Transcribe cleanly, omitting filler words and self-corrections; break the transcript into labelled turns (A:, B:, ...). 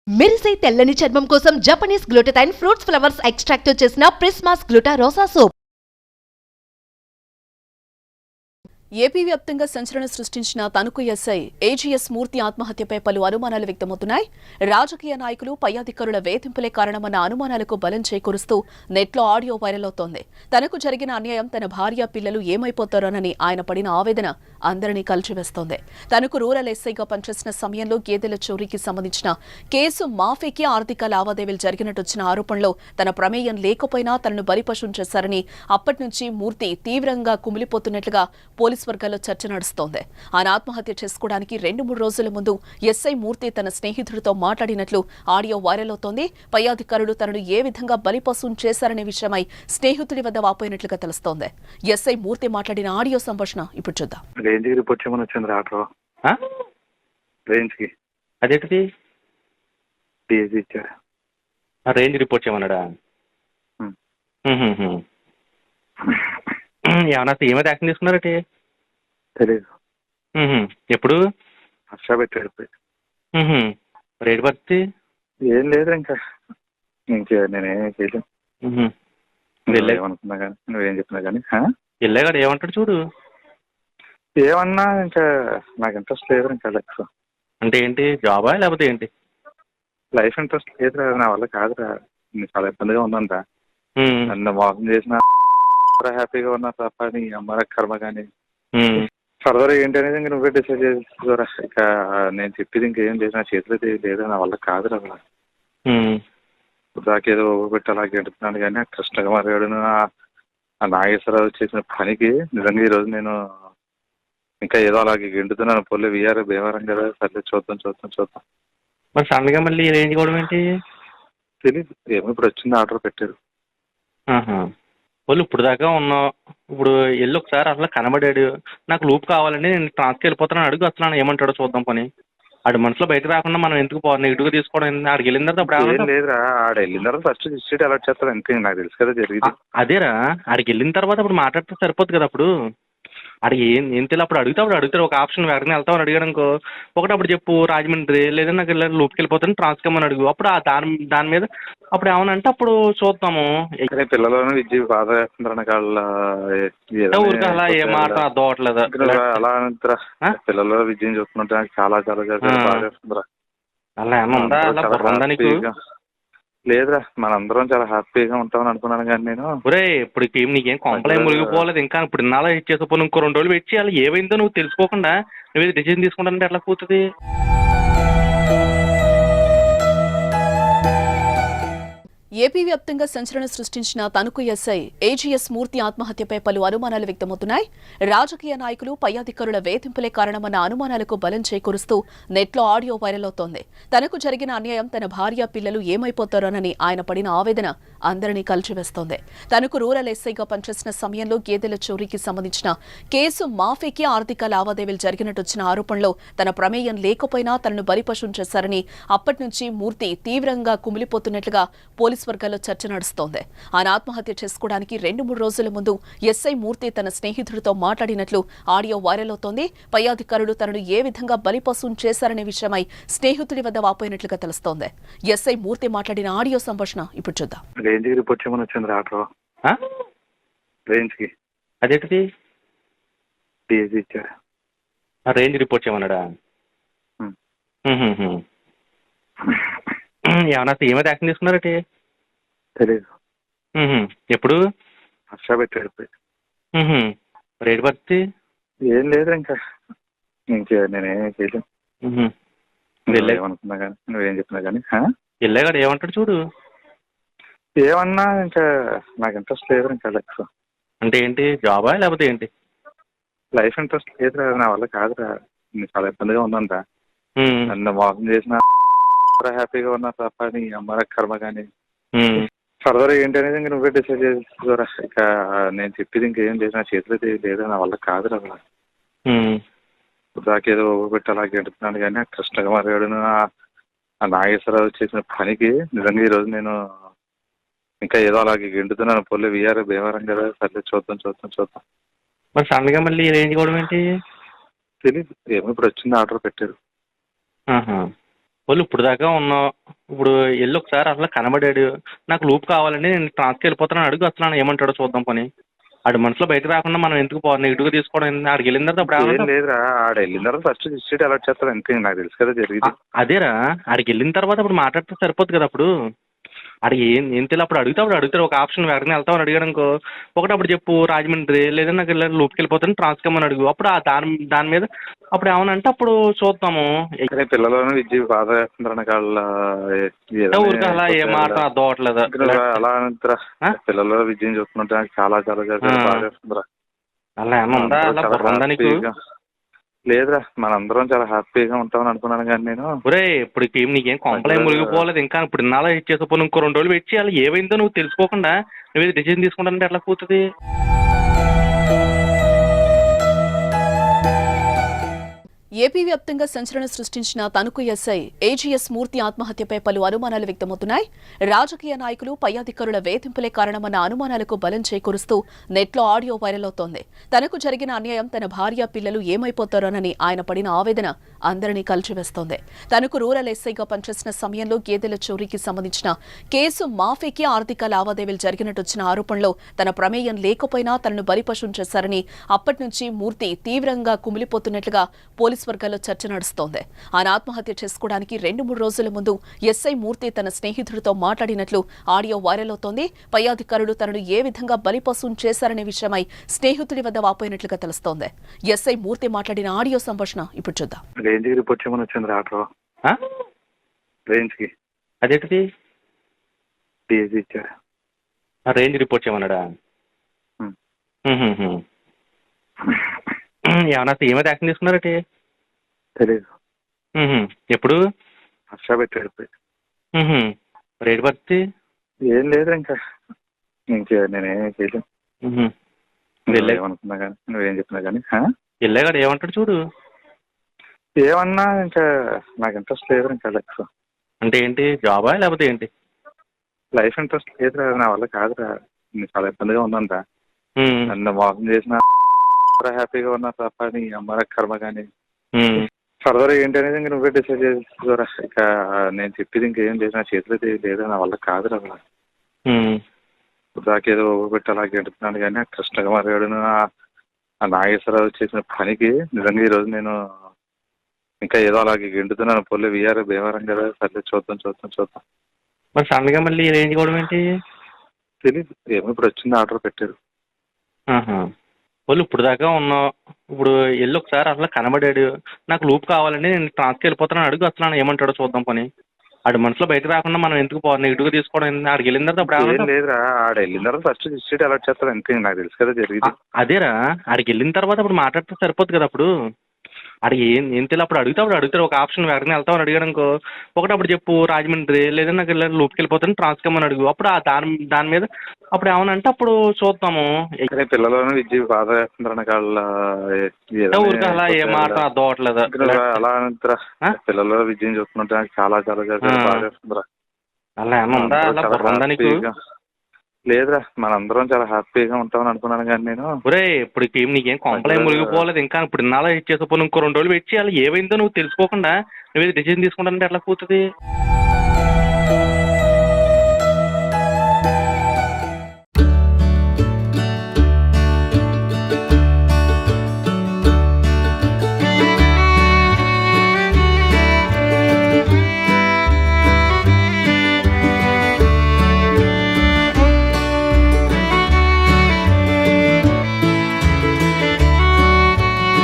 A: మెరిసే తెల్లని చర్మం కోసం Japanese glutathione fruits flowers extract తో చేసిన ప్రిస్మాస్ గ్లూటా రోసా సోప్.
B: ఏపీ వ్యాప్తంగా సంచలనం సృష్టించిన తణుకు ఎస్ఐ ఏజీఎస్ మూర్తి ఆత్మహత్యపై పలు అనుమానాలు వ్యక్తమవుతున్నాయి. రాజకీయ నాయకులు పై అధికారుల వేధింపులే కారణమన్న అనుమానాలకు బలం చేకూరుస్తూ నెట్లో ఆడియో వైరల్ అవుతోంది. తనకు జరిగిన అన్యాయం తన భార్య పిల్లలు ఏమైపోతారోనని ఆయన పడిన ఆవేదన అందరినీ కలిచివేస్తోంది. తనకు రూరల్ ఎస్ఐగా పనిచేసిన సమయంలో గేదెల చోరీకి సంబంధించిన కేసు మాఫీకి ఆర్థిక లావాదేవీలు జరిగినట్టు వచ్చిన ఆరోపణలో తన ప్రమేయం లేకపోయినా తనను బలిపశం చేశారని అప్పటి నుంచి మూర్తి తీవ్రంగా కుమిలిపోతున్నట్లుగా పోలీసు వర్గాల్లో చర్చ నడుస్తోంది. ఆయన ఆత్మహత్య చేసుకోవడానికి 2-3 రోజుల ముందు ఎస్ఐ మూర్తి తన స్నేహితుడితో మాట్లాడినట్లు ఆడియో వైరల్ అవుతోంది. పై అధికారులు తనను ఏ విధంగా బలిపశం చేశారనే విషయమై స్నేహితుడి వద్ద వాపోయినట్లుగా తెలుస్తోంది. ఎస్ఐ మూర్తి మాట్లాడిన ఆడియో సంభాషణ ఇప్పుడు చూద్దాం.
C: రేంజ్ రిపోర్ట్ చేయమన్నాడా? ఏమన్నా ఏమైతే యాక్షన్ తీసుకున్నారటి
D: తెలీదు.
C: ఎప్పుడు
D: హర్ష పెట్టాడు.
C: రేట్ పడితే
D: ఏం లేదు ఇంకా నేనేం చేయలేను. ఏమనుకున్నా కానీ నువ్వేం చెప్పినా కానీ
C: వెళ్ళాగాడు ఏమంటాడు చూడు.
D: ఏమన్నా ఇంకా నాకు ఇంట్రెస్ట్ లేదు. ఇంకా లైఫ్
C: అంటే ఏంటి, జాబా లేకపోతే ఏంటి?
D: లైఫ్ ఇంట్రెస్ట్ లేదురా, నా వల్ల కాదురా. చాలా ఇబ్బందిగా ఉందంట. నన్ను మోసం చేసిన హ్యాపీగా ఉన్నా తప్ప నీ అమ్మ కర్మ. కానీ ఫర్దర్ ఏంటి అనేది ఇంక నువ్వే డిసైడ్ చేసుకోరా. ఇక నేను చెప్పేది ఇంకేం లేదు, నా చేతిలో లేదు, నా వల్ల కాదురా. అలా దాకేదో పెట్టి అలా గెడుతున్నాను. కానీ ఆ కృష్ణకుమార్ గారు ఆ నాగేశ్వరరావు చేసిన పనికి నిజంగా ఈరోజు నేను ఇంకా ఏదో అలాగే గెంటుతున్నాను. పొల్లి వీఆర్ భీమవరం కదా, సర్లే చూద్దాం.
C: మరి సడన్ గా మళ్ళీ రేంజ్ కూడా ఏంటి
D: తెలీదు. ఏమో ఇప్పుడు వచ్చింది, ఆర్డర్ పెట్టారు.
C: వాళ్ళు ఇప్పుడు దాకా ఉన్నావు, ఇప్పుడు వెళ్ళి ఒకసారి అసలు కనబడాడు. నాకు లూప్ కావాలండి, నేను ట్రాన్స్కి వెళ్ళిపోతాను అడుగు. అసలు ఏమంటాడో చూద్దాం. పని ఆడి మనసులో బయట రాకుండా మనం ఎందుకు నెగిటివ్గా తీసుకోవడం? ఆడికి వెళ్ళిన తర్వాత అప్పుడు
D: లేదురా, ఆడ వెళ్ళిన తర్వాత ఫస్ట్ డిస్ట్రిక్ట్ అలర్ట్ చేస్తారు అంతే. నాకు తెలుసు కదా జరిగింది.
C: అదేరా, ఆడికి వెళ్ళిన తర్వాత అప్పుడు మాట్లాడితే సరిపోద్ది కదా. అప్పుడు ఆడికి ఏం తెలియదు. అప్పుడు అడుగుతాడు ఒక ఆప్షన్, వెంటనే వెళ్తామని అడిగాడు అనుకో, ఒకటి అప్పుడు చెప్పు రాజమండ్రి, లేదా నాకు లూప్కి వెళ్ళిపోతాను ట్రాన్స్కమ్మని అడుగు. అప్పుడు దాని మీద అప్పుడు ఏమనంటే అప్పుడు చూద్దాము.
D: పిల్లలను విద్య బాధ చేస్తుంటారు
C: ఊరికి అలా ఏ మాట అర్థం అవట్లేదు.
D: అలా అంటారా, పిల్లల విద్యను చూస్తుంటా చాలా బాధ చేస్తుందిరా.
C: అలా ఏమన్నా ఉందా నీకు?
D: లేదురా, మనందరం చాలా హ్యాపీగా ఉంటామని అనుకున్నాను. కానీ నేను
C: ఇప్పుడు నీకేం కొంపలే మునిగిపోలేదు. ఇంకా ఇప్పుడు ఇన్నాళ్ళ ఇచ్చేసిపోను, ఇంకో 2 రోజులు పెట్టి అలా ఏమైందో నువ్వు తెలుసుకోకుండా నువ్వు డిసిజన్ తీసుకుంటానంటే ఎట్లా కూతుంది?
B: ఏపీ వ్యాప్తంగా సంచలనం సృష్టించిన తణుకు ఎస్ఐ ఏజీఎస్ మూర్తి ఆత్మహత్యపై పలు అనుమానాలు వ్యక్తమవుతున్నాయి. రాజకీయ నాయకులు పై అధికారుల వేధింపులే కారణమన్న అనుమానాలకు బలం చేకూరుస్తూ నెట్లో ఆడియో వైరల్ అవుతోంది. తనకు జరిగిన అన్యాయం తన భార్య పిల్లలు ఏమైపోతారోనని ఆయన పడిన ఆవేదన అందరినీ కలిచివేస్తోంది. తనకు రూరల్ ఎస్ఐగా పనిచేసిన సమయంలో గేదెల చోరీకి సంబంధించిన కేసు మాఫీకి ఆర్థిక లావాదేవీలు జరిగినట్టు వచ్చిన ఆరోపణలో తన ప్రమేయం లేకపోయినా తనను బలిపశం చేశారని అప్పటి నుంచి మూర్తి తీవ్రంగా కుమిలిపోతున్నట్లుగా పోలీసు వర్గాల్లో చర్చ నడుస్తోంది. ఆయన ఆత్మహత్య చేసుకోవడానికి 2-3 రోజుల ముందు ఎస్ఐ మూర్తి తన స్నేహితుడితో మాట్లాడినట్లు ఆడియో వైరల్ అవుతోంది. పై అధికారులు తనను ఏ విధంగా బలిపశం చేశారనే విషయమై స్నేహితుడి వద్ద వాపోయినట్లుగా తెలుస్తోంది. ఎస్ఐ మూర్తి మాట్లాడిన ఆడియో సంభాషణ ఇప్పుడు చూద్దాం.
D: రేంజ్ రిపోర్ట్ చేయమని వచ్చింది ఆర్డర్. రేంజ్కి
C: అదేంటిది?
D: ఇచ్చాడు.
C: రేంజ్ రిపోర్ట్ చేయమన్నాడా? ఏమన్నా ఏమైతే యాక్షన్ తీసుకున్నారటి
D: తెలీదు.
C: ఎప్పుడు
D: హర్ష పెట్టాడు.
C: రేట్ పడితే
D: ఏం లేదు ఇంకా నేనేం చేయలేను. ఏమనుకున్నా కానీ నువ్వేం చెప్పినా కానీ
C: వెళ్ళాగాడు ఏమంటాడు చూడు.
D: ఏమన్నా ఇంకా నాకు ఇంట్రెస్ట్ లేదు. ఇంకా లైఫ్
C: అంటే ఏంటి, జాబా లేకపోతే ఏంటి?
D: లైఫ్ ఇంట్రెస్ట్ లేదురా, నా వల్ల కాదురా. చాలా ఇబ్బందిగా ఉందంట. నన్ను మోసం చేసిన హ్యాపీగా ఉన్నా తప్ప నీ అమ్మ కర్మ. కానీ ఫర్దర్ ఏంటి అనేది ఇంక నువ్వే డిసైడ్ చేసుకోరా. ఇక నేను చెప్పేది ఇంకేం లేదు, నా చేతిలో లేదు, నా వల్ల కాదురా. అలా దాకేదో పెట్టి అలా గెడుతున్నాను. కానీ ఆ కృష్ణకుమార్ గారు ఆ నాగేశ్వరరావు చేసిన పనికి నిజంగా ఈరోజు నేను ఇంకా ఏదో అలాగే గెంటుతున్నాను. పొల్లి వీఆర్ భీమవరం కదా, సర్లే చూద్దాం.
C: మరి సడన్ గా మళ్ళీ రేంజ్ కూడా ఏంటి
D: తెలీదు. ఏమో ఇప్పుడు వచ్చింది, ఆర్డర్ పెట్టారు.
C: వాళ్ళు ఇప్పుడు దాకా ఉన్నావు, ఇప్పుడు వెళ్ళి ఒకసారి అసలు కనబడాడు, నాకు లూప్ కావాలండి నేను ట్రాన్స్కి వెళ్ళిపోతాను అడుగు, అసలు ఏమంటాడో చూద్దాం పని. ఆడి మనసులో బయట రాకుండా మనం ఎందుకు నెగిటివ్గా తీసుకోవడం ఏంది? ఆడికి వెళ్ళిన తర్వాత అప్పుడు
D: ఏం
C: ఏమంటావు?
D: లేదురా, ఆడ వెళ్ళిన తర్వాత ఫస్ట్ సీట్ అలర్ట్ చేస్తారు అంతే, నాకు తెలుసు కదా జరిగింది.
C: అదేరా, ఆడికి వెళ్ళిన తర్వాత అప్పుడు మాట్లాడితే సరిపోద్ది కదా. అప్పుడు ఆడికి ఏం తెలియదు, అప్పుడు అడుగుతాడు ఒక ఆప్షన్ ఎవరిని వెళ్తామని అడిగాడు అనుకో, అప్పుడు చెప్పు రాజమండ్రి లేదంటే నాకు లూప్కి వెళ్ళిపోతాను ట్రాన్స్కి వెళ్ళమని అడుగు. అప్పుడు దాని మీద అప్పుడు ఏమనంటే అప్పుడు చూద్దాము.
D: కానీ పిల్లలను విద్య బాధ చేస్తుంటారు వాళ్ళ
C: ఊరికి అలా ఏ మాట అర్థం అవ్వట్లేదు.
D: అలా అంటారా, పిల్లల విద్యను చూస్తుంటే నాకు చాలా చాలా చాలా బాధ చేస్తుందిరా.
C: అలా ఏమన్నా ఉందా? అలా బుర్ర ఉందా నీకు?
D: లేదురా, మనందరం చాలా హ్యాపీగా ఉంటామని అనుకున్నాను కానీ నేను.
C: ఒరే ఇప్పుడు టీం నీకేం కొంపలేం మునిగిపోలేదు ఇంకా. ఇప్పుడు ఇన్నాళ్ళ వెయిట్ చేసేపోను, ఇంకో 2 రోజులు వెయిట్ చేయాలి. ఏమైందో నువ్వు తెలుసుకోకుండా నువ్వు డిసిజన్ తీసుకుంటానంటే ఎట్లా కూతుంది?
B: ఏపీ వ్యాప్తంగా సంచలనం సృష్టించిన తణుకు ఎస్ఐ ఏజీఎస్ మూర్తి ఆత్మహత్యపై పలు అనుమానాలు వ్యక్తమవుతున్నాయి. రాజకీయ నాయకులు, పై అధికారుల వేధింపులే కారణమన్న అనుమానాలకు బలం చేకూరుస్తూ నెట్లో ఆడియో వైరల్ అవుతోంది. తనకు జరిగిన అన్యాయం, తన భార్య, పిల్లలు ఏమైపోతారోనని ఆయన పడిన ఆవేదన అందరినీ కలిచివేస్తోంది. తనకు రూరల్ ఎస్ఐగా పనిచేసిన సమయంలో గేదెల చోరీకి సంబంధించిన కేసు మాఫీకి ఆర్థిక లావాదేవీలు జరిగినట్టొచ్చిన ఆరోపణలో తన ప్రమేయం లేకపోయినా తనను బలిపశం చేశారని అప్పటి నుంచి మూర్తి తీవ్రంగా కుమిలిపోతున్నట్లుగా పోలీసు వర్గాల్లో చర్చ నడుస్తోంది. ఆయన ఆత్మహత్య చేసుకోవడానికి 2-3 రోజుల ముందు ఎస్ఐ మూర్తి తన స్నేహితుడితో మాట్లాడినట్లు ఆడియో వైరల్ అవుతోంది. పై అధికారులు తనను ఏ విధంగా బలిపశం చేశారనే విషయమై స్నేహితుడి వద్ద వాపోయినట్లుగా తెలుస్తోంది. ఎస్ఐ మూర్తి మాట్లాడిన ఆడియో సంభాషణ ఇప్పుడు చూద్దాం.
D: రేంజ్ కి రిపోర్ట్ చేయమని వచ్చింది ఆటో రేంజ్ కి.
C: అదేంటిది?
D: డిఎస్సి ఇచ్చాడు.
C: రేంజ్ రిపోర్ట్ చేయమన్నాడా? ఏమన్నా ఏమైతే యాక్షన్ తీసుకున్నారటి?
D: తెలీదు.
C: ఎప్పుడు?
D: హర్ష పెట్టాడు.
C: రేట్ పరిస్థితి
D: ఏం లేదు ఇంకా నేనేం చేయలేను. ఏమనుకున్నా కానీ నువ్వేం చెప్పినా కానీ
C: వెళ్ళాగాడు ఏమంటాడు చూడు.
D: ఏమన్నా ఇంకా నాకు ఇంట్రెస్ట్ లేదు ఇంకా లైఫ్.
C: అంటే ఏంటి, జాబా లేకపోతే ఏంటి?
D: లైఫ్ ఇంట్రెస్ట్ లేదురా, నా వల్ల కాదురా. చాలా ఇబ్బందిగా ఉందంట. నన్ను మోసం చేసిన హ్యాపీగా ఉన్నా తప్ప నీ అమ్మ కర్మ కానీ. ఫర్దర్ ఏంటి అనేది ఇంక నువ్వే డిసైడ్ చేసుకోరా. ఇక నేను చెప్పేది ఇంకేం లేదు, నా చేతిలో లేదు, నా వల్ల కాదురా అలా. దాకేదో పెట్టి అలా గెడుతున్నాను కానీ ఆ కృష్ణకుమార్ గారు ఆ నాగేశ్వరరావు చేసిన పనికి నిజంగా ఈరోజు నేను ఇంకా ఏదో అలాగే గెంటుతున్నాను. పొల్లి వీఆర్ భీమవరం కదా, సర్లే చూద్దాం.
C: మరి సడన్గా మళ్ళీ రేంజ్ కూడా ఏంటి
D: తెలీదు. ఏమో ఇప్పుడు వచ్చింది, ఆర్డర్ పెట్టారు.
C: వాళ్ళు ఇప్పుడు దాకా ఉన్నావు, ఇప్పుడు వెళ్ళి ఒకసారి అసలు కనబడాడు, నాకు లూప్ కావాలండి నేను ట్రాన్స్కి వెళ్ళిపోతాను అడుగు, అసలు ఏమంటాడో చూద్దాం పని. ఆడి మనసులో బయట రాకుండా మనం ఎందుకు నెగిటివ్గా తీసుకోవడం ఏంది? ఆడికి వెళ్ళిన తర్వాత అప్పుడు
D: ఏం లేదురా, ఆడ వెళ్ళిన తర్వాత ఫస్ట్ సీట్ అలర్ట్ చేస్తారు అంతే, నాకు తెలుసు కదా జరిగింది.
C: అదేరా, ఆడికి వెళ్ళిన తర్వాత అప్పుడు మాట్లాడితే సరిపోద్ది కదా. అప్పుడు ఆడికి ఏం తెలియదు, అప్పుడు అడుగుతాడు ఒక ఆప్షన్ ఎవరిని వెళ్తామని అడిగాడు అనుకో, అప్పుడు చెప్పు రాజమండ్రి లేదంటే నాకు లూప్కి వెళ్ళిపోతాను ట్రాన్స్కి వెళ్ళమని అడుగు. అప్పుడు దాని మీద అప్పుడు ఏమనంటే అప్పుడు చూద్దాము.
D: పిల్లలను విద్య బాధ చేస్తుంటారు వాళ్ళ
C: ఊరికి అలా ఏ మాట అర్థం అవ్వట్లేదు.
D: అలా అంటారా, పిల్లల విద్యను చూస్తుంటే నాకు చాలా చాలా చాలా బాధ చేస్తుందిరా.
C: అలా ఏమన్నా ఉందా? అలా బుర్ర ఉందా నీకు?
D: లేదురా, మనందరం చాలా హ్యాపీగా ఉంటామని అనుకున్నాను కానీ నేను.
C: ఒరే ఇప్పుడు టీం నీకేం కొంపలేం మునిగిపోలేదు ఇంకా. ఇప్పుడు ఇన్నాళ్ళ వెయిట్ చేసేపోను, ఇంకో 2 రోజులు వెయిట్ చేయాలి. ఏమైందో నువ్వు తెలుసుకోకుండా నువ్వు డిసిజన్ తీసుకుంటానంటే ఎట్లా కూతుంది?